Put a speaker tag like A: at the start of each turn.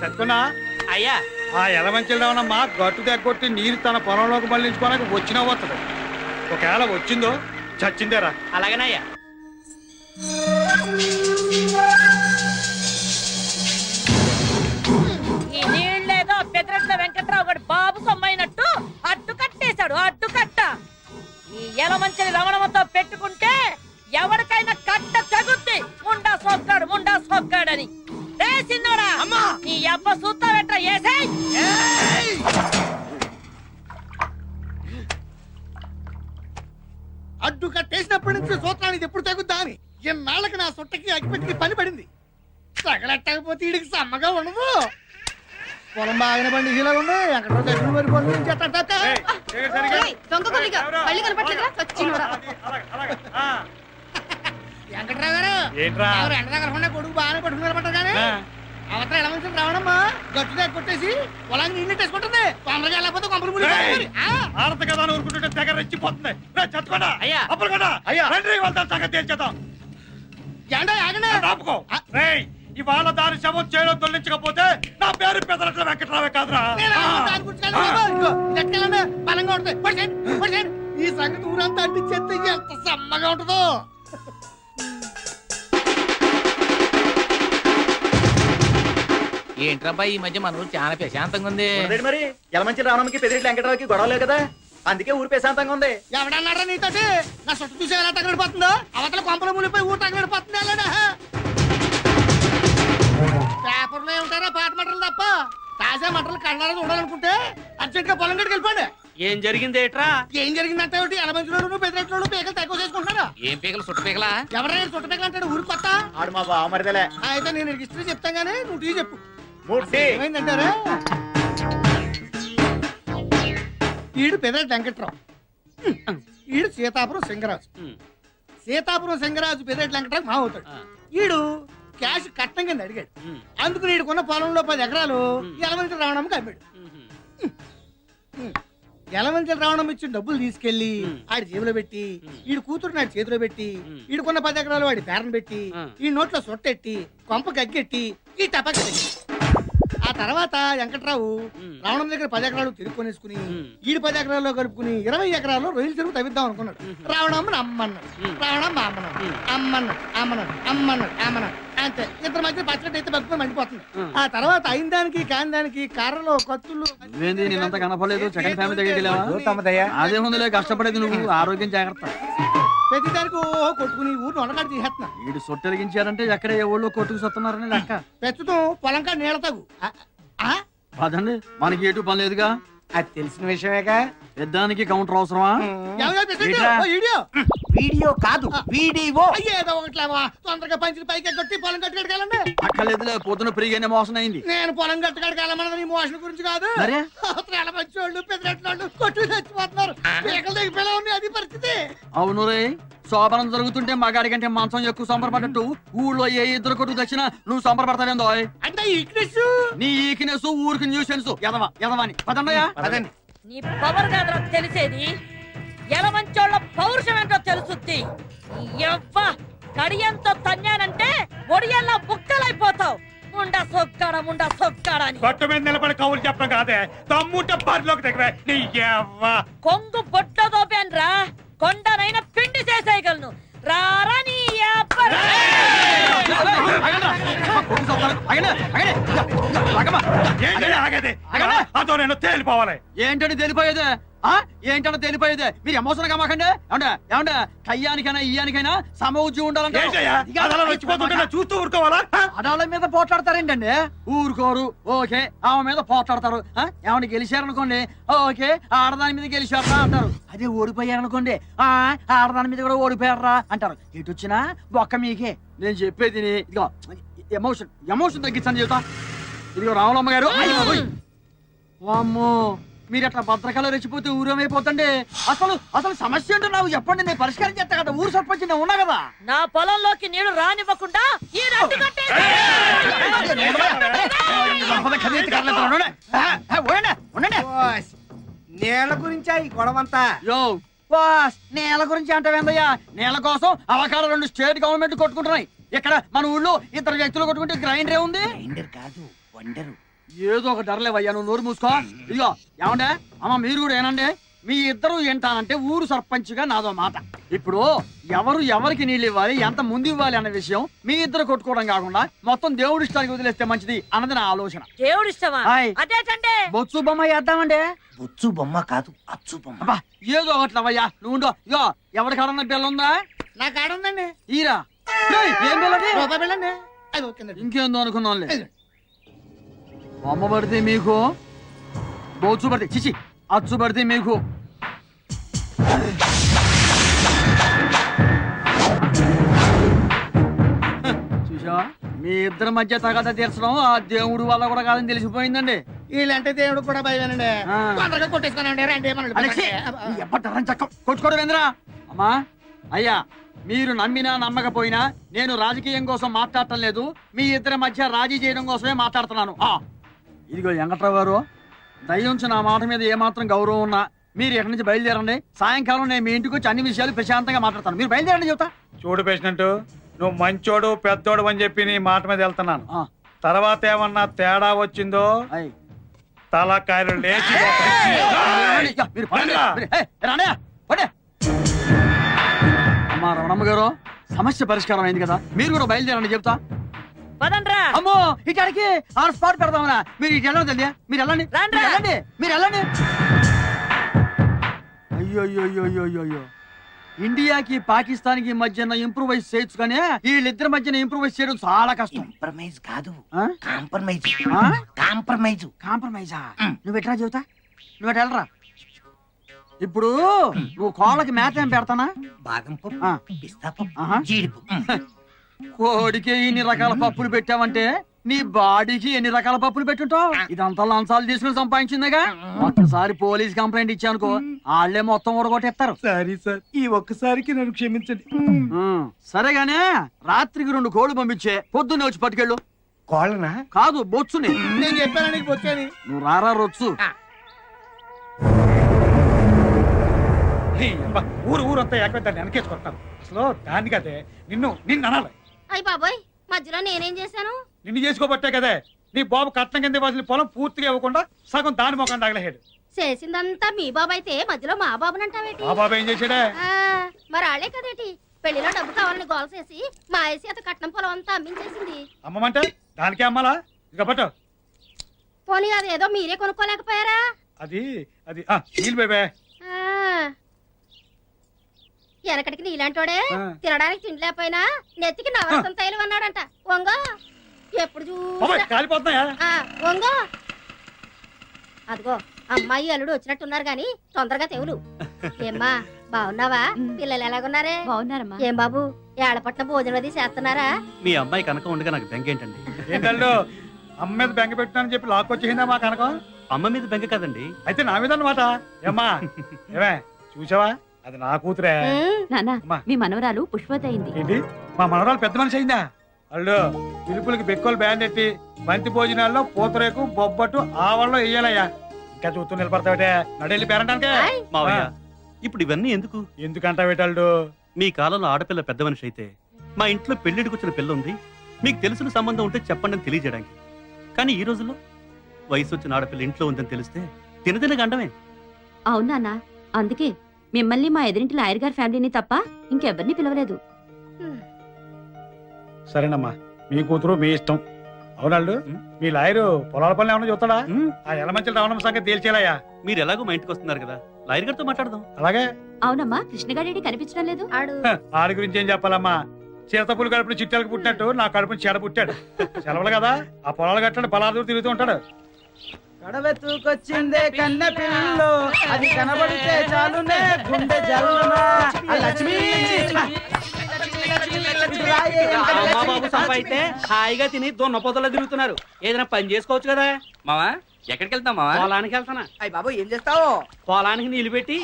A: సత్తున్నా
B: అయ్యా
A: ఆ ఎలమంచిల రావణమ్మ గట్టు దగ్గొట్టి నీరు తన పొలంలోకి మళ్ళించుకోవడానికి వచ్చినా వస్తుంది. ఒకవేళ వచ్చిందో చచ్చిందేరా.
B: అలాగేనయ్యా.
C: ఈ నీళ్ళేదో పెదరెట్ల వెంకట్రావు గారు బాబు సొమ్మైనట్టు అడ్డు కట్టేశాడు. అడ్డు కట్ట ఈ ఎలమంచిని రమణమ్మతో పెట్టుకుంటే ఎవరికైనా కట్ట తగుద్ది. ముండా సోక్కాడని రే సిన్నోడా, నీ అబ్బ సూత్తా వెంట ఏసేయ్.
D: అడ్డు కట్టేసినప్పటి నుంచి సూత్రానికి ఎప్పుడు తగ్గుద్దా అని ఎన్నాళ్ళకి నా సొట్టకి అగ్గిపెట్టికి పని పడింది. తగలెట్టకపోతే వీడికి సమ్మగా ఉండదు. పొలం బాగానే పండి ఇలా ఉంది. ఎక్కడో దగ్గర మరి పనులు వెంకట్రావు గారు ఎండ దగ్గర కొడుకు బాగానే పట్టుకున్నారన్నమాట. కానీ అవతల ఎలా మంచి రావడమ్మా గట్టు కొట్టేసి పొలాన్ని నీళ్ళు వేసుకుంటుంది. తొందరగా వెళ్ళకపోతే కొంపలు మునిగిపోతుంది.
A: ఆడత కదా ఊరుకుంటుంటే దగ్గర రెచ్చిపోతుంది. చచ్చుకోండా
B: అయ్యా,
A: అప్పుడు కదా అయ్యా వెళ్తాం సంగతి తేల్చేద్దాం. ఆపుకో రేయ్, ఇవాళ దాని శవం చేయడం తొలగించకపోతే నా పేరు పెదరట్ల వెంకట్రావే కాదురా.
D: బలంగా ఉంటుంది. ఈ సంగతి ఊరంతా అంటించేస్తే ఎంత సమ్మగా ఉంటుందో.
B: ఏంట్రబ్బా ఈ మధ్య మన ఊరు చాలా ప్రశాంతంగా ఉంది.
E: మరి ఎలమంచి రావడానికి పెద్దిరెడ్డి వెంకటరావుకి గొడవ లేదు కదా, అందుకే ఊరు ప్రశాంతంగా ఉంది.
D: ఎవడన్నారా నీతోటి? నా చుట్టూ చూసి ఎలా తగలడిపోతుందో, అవతల కొంపల మునిపోయి ఊరు తగలడిపోతుంది. అలానే పేపర్లో ఏముంటారా పాత మంటలు తప్ప తాజా మంటలు కళ్ళారా చూడాలనుకుంటే అర్జెంట్ గా పొలం గడికి వెళ్ళిపోండి.
B: ఏం జరిగింది ఏట్రా?
D: ఏం జరిగిందంటే ఎలమంచిలోను పెద్దరెట్లోను పీకలు తక్కువ చేసుకుంటున్నారా?
B: ఏం పీకలు చుట్ట పీకలా?
D: ఎవరైనా చుట్ట పీకలు అంటాడు ఊరు కొత్త.
E: ఆడు మా బావమరిదలే.
D: అయితే నేను హిస్టరీ చెప్తాను గానీ నువ్వు టీ చెప్పు.
E: ఏమైందంటారా?
D: ఈడు పెదరెడ్డి వెంకట్రావు, ఈడు సీతాపురం సింగరాజు. సీతాపురం సింగరాజు పెదరెడ్డి వెంకట్రావు మా అవుతాడు. ఈడు క్యాష్ కట్నం కింద అడిగాడు. అందుకు నీడుకున్న పొలంలో 10 ఎకరాలు ఎలమంచి రావణమ్మకి అమ్మాడు. ఎలమంచి రావణం ఇచ్చిన డబ్బులు తీసుకెళ్లి ఆడి జేబులో పెట్టి ఈడు కూతురు నాడు చేతిలో పెట్టి ఈడుకున్న 10 ఎకరాలు వాడి పేరను పెట్టి ఈ నోట్లో సొట్టెట్టి కొంప గగ్గెట్టి ఈ టపాకి పెట్టి ఆ తర్వాత వెంకట్రావు రావణం దగ్గర 10 ఎకరాలు తిరుక్కొనేసుకుని ఈడు 10 ఎకరాల్లో కలుపుకుని 20 ఎకరాల్లో రొయ్యలు చెరువు తవ్విద్దాం అనుకున్నాడు. రావణమ్మని అమ్మన్నాడు, రావణమ్మ అమ్మన్నాడు. అంతే. ఇద్దరు మధ్య పచ్చడి అయితే బతుకుని మండిపోతుంది. ఆ తర్వాత అయిన దానికి కాని దానికి కర్రలు కత్తులు
F: నేనంత కనపడలేదు. సెకండ్ ఫ్యామిలీ దగ్గరికి అదేముందిలే, కష్టపడేది నువ్వు. ఆరోగ్యం జాగ్రత్త.
D: ప్రతి దానికి ఓహో కొట్టుకుని ఊరు ఉండకాడు తీసేస్తున్నా.
F: వీడు సొట్టెలిగించారంటే ఎక్కడ ఏ ఊళ్ళో కొట్టుకు సత్తున్నారని లెక్క.
D: ప్రస్తుతం పొలంకా నీళ్ళ తగు
F: అదండి, మనకి ఎటు పని లేదుగా.
E: అది తెలిసిన విషయమేగా.
F: పెద్దానికి కౌంటర్ అవసరమా?
E: వీడియో కాదు, వీడియో.
D: ఏదో ఒకట్లేవా, తొందరగా పంచులు పైకి కొట్టి పొలం కట్టుకెళ్ళండి.
F: అక్కర్లేదులే, పొద్దున పెరిగానే మోసం అయింది.
D: నేను పొలం కట్టుకెళ్ళమన్నది నీ మోషన్ గురించి కాదు. మంచి వాళ్ళు పెద్దరెట్లు కొట్టు చచ్చిపోతున్నారు. పీకలు దిగిపోయేలా ఉన్నాయి. అది పరిస్థితి.
F: అవును రే, శోభనం జరుగుతుంటే మగాడి కంటే మంచం ఎక్కువ సంబరపడ్డట్టు ఊళ్ళో ఏ ఇద్దరు కొట్టుకు తెచ్చినా నువ్వు సంబరపడతావేందో.
D: అంటే ఈక్నెస్,
F: నీ ఈక్నెస్ ఊరికి న్యూసెన్స్. ఎదవని పదండయా.
C: నీ పవర్ కాదురా తెలిసేది, ఎలమంచోళ్ళ పౌరుషం ఏంటో తెలుసుద్ది. కడియంతో తన్నానంటే ఒడియల్లా బుక్కలైపోతావు. ముండా సొక్కాడా అని
A: గట్టు మీద నిలబడి కవులు చెప్పడం కాదే, తమ్ముంటే బరిలోకి దగ్గర నీ
C: కొంగు బొట్లో దోపాన్రా, కొండనైనా పిండి చేసేయగలను. రారా నీ
A: అదో నేను తేలిపోవాలి.
F: ఏంటని తెలిపోయేదే? ఏంటన్నా తెలిపోయేదే? మీరు ఎమోషన్ గా మాకండి. ఏమంటే కయ్యానికైనా ఇయ్యానికైనా సమౌజ్యం ఉండాలంటే
A: చూస్తూ ఊరుకోవాలా?
F: ఆడాళ్ళ మీద పోట్లాడతారేంటండి? ఊరుకోరు. ఓకే, ఆమె మీద పోట్లాడతారు. ఏమన్నా గెలిచారనుకోండి, ఓకే ఆడదాని మీద గెలిచారా అంటారు. అదే ఓడిపోయారనుకోండి, ఆడదాని మీద కూడా ఓడిపోయారా అంటారు. ఎటు వచ్చినా ఒక్క మీకే. నేను చెప్పేది ఇదిగో, ఎమోషన్ తగ్గించని చెబుతా. ఇదిగో రావులమ్మ గారు, వామ్మో మీరు అట్లా భద్రకాలు రెచ్చిపోతే ఊరేమైపోతండి. అసలు సమస్య ఏంటో నాకు చెప్పండి, నేను పరిష్కారం చేస్తా కదా. ఊరు సర్పంచ్ నేను ఉన్నా కదా.
C: నా పొలంలోకి నీళ్లు రానివ్వకుండా ఈ రట్టు
E: నేల గురించా ఈ గొడవంతా?
F: నేల గురించి అంటావేందయ్యా? నేల కోసం అవకాశం 2 స్టేట్ గవర్నమెంట్ కొట్టుకుంటున్నాయి. ఇక్కడ మన ఊళ్ళో 2 వ్యక్తులు కొట్టుకుంటే గ్రైండర్ ఉంది.
E: గ్రైండర్ కాదు, వండరు.
F: ఏదో ఒక ధరలేవయ్యా, నువ్వు నోరు మూసుకో. ఇదిగో ఏమండే అమ్మ, మీరు కూడా ఏనండి, మీ ఇద్దరు ఏంటానంటే ఊరు సర్పంచ్గా నాదో మాట. ఇప్పుడు ఎవరు ఎవరికి నీళ్ళు ఇవ్వాలి, ఎంత ముందు ఇవ్వాలి అన్న విషయం మీ ఇద్దరు కొట్టుకోవడం కాకుండా మొత్తం దేవుడి ఇష్టానికి వదిలేస్తే మంచిది అన్నది నా ఆలోచన.
C: దేవుడు ఇష్టమా?
F: హాయ్.
C: అదేటండి
F: బొత్సు బొమ్మ వేద్దామండి.
G: బొచ్చు బొమ్మ కాదు, అచ్చు బొమ్మ.
F: అబ్బా ఏదో ఒకట్లవయ్యా, నువ్వు ఉండో. ఇగో ఎవరి కాడన్న బిల్ల ఉందా?
D: నా కాడ ఉందండి.
F: ఈరా ఏయ్, ఏం బిల్లది?
D: రూపాయి బిళ్ళండి. అది ఓకేనండి.
F: ఇంకేందో అనుకున్నాంలే. బొమ్మ పడితే మీకు, బొచ్చు పడితే చిచి అచ్చు పడితే మీకు. చూసా, మీ ఇద్దరి మధ్య తగాద తీర్చడం ఆ దేవుడు వల్ల కూడా కాదని తెలిసిపోయిందండి.
D: వీళ్ళంటే దేవుడు కూడా భయమేనండి.
F: ఆ.
D: తొందరగా కొట్టేసుకోనండి. రండి
F: అలెక్సీ, ఈ ఎప్పటి చక్క కొట్టుకోవడం ఏందిరా? అమ్మా అయ్యా, మీరు నమ్మినా నమ్మకపోయినా నేను రాజకీయం కోసం మాట్లాడటం లేదు, మీ ఇద్దరి మధ్య రాజీ చేయడం కోసమే మాట్లాడుతున్నాను. ఇదిగో వెంకట్రావు గారు, దయ్యుంచి నా మాట మీద ఏమాత్రం గౌరవం ఉన్నా మీరు ఎక్కడి నుంచి బయలుదేరండి. సాయంకాలం నేను మీ ఇంటికి వచ్చి అన్ని విషయాలు ప్రశాంతంగా మాట్లాడతాను. మీరు బయలుదేరండి చెబుతా.
A: చూడు పేషెంట్, నువ్వు మంచోడు పెద్దోడు అని చెప్పి నీ మాట మీద వెళ్తున్నాను.
F: ఆ,
A: తర్వాత ఏమన్నా తేడా వచ్చిందో
F: అయ్.
A: తలకాయలు లేచి
F: ఇక మీరు పడండి. ఏయ్, రాండి, పడే. అమ్మా రమణమ్మ గారు, సమస్య పరిష్కారం అయింది కదా, మీరు కూడా బయలుదేరండి చెప్తా.
C: పదండ్రా.
F: అమ్మో ఇక్కడికి ఆన్ స్పాట్ పెడదామనా? మీరు ఇటు వెళ్ళండి తల్లి, మీరు వెళ్ళండి,
C: రాండ్రా.
F: మీరు వెళ్ళండి, మీరు వెళ్ళండి. అయ్యో, ఇండియాకి పాకిస్తాన్ కి మధ్యన ఇంప్రూవైజ్ చేయొచ్చు కానీ వీళ్ళిద్దరి మధ్యన ఇంప్రూవైజ్ చేయడం చాలా కష్టం.
G: కాంప్రమైజ్ కాదు,
F: ఆ?
G: కాంప్రమైజ్.
F: ఆ?
G: కాంప్రమైజ్.
F: కాంప్రమైజా? నువ్వు ఎట్లా చెబుతా, నువ్వు ఎటు వెళ్ళరా. ఇప్పుడు నువ్వు కోళ్ళకి మేత ఏం పెడతానా?
G: బాదం
F: ఆ.
G: పప్పు, పిస్తా
F: ఆహా.
G: పప్పు, జీడిపప్పు.
F: కోడికి ఇన్ని రకాల పప్పులు పెట్టావంటే నీ బాడీకి ఎన్ని రకాల పప్పులు పెట్టుంటావు? ఇదంతా లంచాలు తీసుకుని సంపాదించిందిగా. ఒక్కసారి పోలీస్ కంప్లైంట్ ఇచ్చానుకో, వాళ్ళే మొత్తం ఊడగొట్టేస్తారు.
A: సారీ సార్, ఈ ఒక్కసారికి నన్ను క్షమించండి.
F: సరేగానే రాత్రికి 2 కోళ్ళు పంపించే, పొద్దున్నే వచ్చి పట్టుకెళ్ళు.
G: కోళ్ళనా?
F: కాదు, బొచ్చుని.
D: నేను చెప్పాను నీకు వచ్చాని.
F: నువ్వు రారా రొచ్చు.
A: ఊరు ఊరంతా ఏకదాన్ని వెనకేసుకొస్తాను. అసలు దాన్ని కదే నిన్ను అనాలి.
H: అయ్య బాబోయ్, మధ్యలో నేనేం చేశాను?
A: నిన్ను చేసుకోబట్టే కదే నీ బాబు కట్నం కింద ఇవ్వాల్సిన పొలం పూర్తిగా ఇవ్వకుండా సగం దాని మొఖం తగలహేడు.
H: చేసిందంతా మీ బాబు అయితే మధ్యలో మా బాబునంటావేటి?
A: ఆ బాబు ఏం చేశాడే?
H: మరి ఆళ్లే కదేటి పెళ్లిలో డబ్బు కావాలని గోల చేసి మా ఐసి అత కట్నం పొలం అంతా అమ్మించేసింది.
A: అమ్మమంటే దానికే అమ్మాలా? ఇక పట్టు.
H: పోనీ అదేదో మీరే కొనుక్కోలేకపోయారా?
A: అది అది నీళ్ళు బేబే.
H: వెనకటికి నీలాంటోడే
A: ఆ.
H: తినడానికి తిండి లేకపోయినా నెత్తికి నవరసం తైలం అన్నాడంట. వంగో ఎప్పుడు
A: బాబాయ్
H: చూసినా
A: కాలిపోతున్నాయా?
H: వంగో. అదిగో అమ్మాయి అల్లుడు వచ్చినట్టున్నారు గాని తొందరగా తెవులు. ఏమ్మా బాగున్నావా? పిల్లలు ఎలాగున్నారే?
I: బాగున్నారమ్మా.
H: ఏం బాబు ఏడపట్ల భోజనం అది చేస్తున్నారా?
J: మీ అమ్మాయి కనుక ఉండగా నాకు బెంగ ఏంటండి?
A: ఏంటల్లు అమ్మ మీద బెంగ పెట్టినానని చెప్పి లాక్కొచ్చేసిందా మా కనకం?
J: అమ్మ మీద బెంగ కదండి.
A: అయితే నా మీద అన్నమాట. ఏమ్మా ఏమే చూసావా, అది నా కూతురే.
I: నాన్న,
A: అమ్మా.
I: మీ మనవరాలు పుష్పవతి అయింది.
A: ఏంటి మా మనవరాలు పెద్ద మనిషి అయిందా? అల్లు పిలుపులకి బెక్కలు బ్యాండ్ ఎట్టి బంతి భోజనాల్లో పూతరేకు బొబ్బట్టు ఆవల్లో వేయాలయ్యా. ఇంకా చూస్తూ నిలబడతావిటే, నడెళ్ళి పేరంటానికే.
J: మావయ్య, ఇప్పుడు ఇవన్నీ ఎందుకు?
A: ఎందుకంటావేటల్లు?
J: మీ కాలంలో ఆడపిల్ల పెద్ద మనిషి అయితే మా ఇంట్లో పెళ్లిడికి వచ్చిన పిల్ల ఉంది, మీకు తెలిసిన సంబంధం ఉంటే చెప్పండి అని తెలియజేయడానికి. కానీ ఈ రోజుల్లో వయసు వచ్చిన ఆడపిల్ల ఇంట్లో ఉందని తెలిస్తే తినదిన గండమే.
I: అవును నాన్న, అందుకే మిమ్మల్ని మా ఎదురింటి లాయర్ గారి ఫ్యామిలీని తప్ప ఇంకెవరిని పిలవలేదు.
A: సరేనమ్మా, మీ కూతురు మీ ఇష్టం. అవునాళ్ళు మీ లాయరు పొలాల పనులు ఏమన్నా చూస్తాడా?
J: ఉమ్,
A: ఆ ఎలమంచల రావడం సంగతి తేల్చేలయ్యా.
J: మీరు ఎలాగో మా ఇంటికి వస్తున్నారు కదా, లాయర్ గారితో మాట్లాడదాం.
A: అలాగే.
I: అవునమ్మా, కృష్ణగాడి కనిపించడం లేదు.
H: ఆడు
A: ఆడి గురించి ఏం చెప్పాలమ్మా? చిరతపులు కడుపుని చిట్టెలకు పుట్టినట్టు నా కడుపుని చెడ పుట్టాడు. సెలవులు కదా, ఆ పొలాలు కట్టాడు, పొలాలు దూరం తిరుగుతూ ఉంటాడు.
F: కడవెత్తుకొచ్చిందే కన్న పిల్లు, అది కనబడితే చాలునే గుండె జల్లునా. లక్ష్మి
B: బాబు సంపాయితే హాయిగా తిని దొన్న పొదలో తిరుగుతున్నారు. ఏదైనా పని చేసుకోవచ్చు కదా. మావా ఎక్కడికి వెళ్తాం? మావా పొలానికి వెళ్తానా?
F: అయ్య బాబు ఏం చేస్తావు?
B: పొలానికి నీళ్లు పెట్టి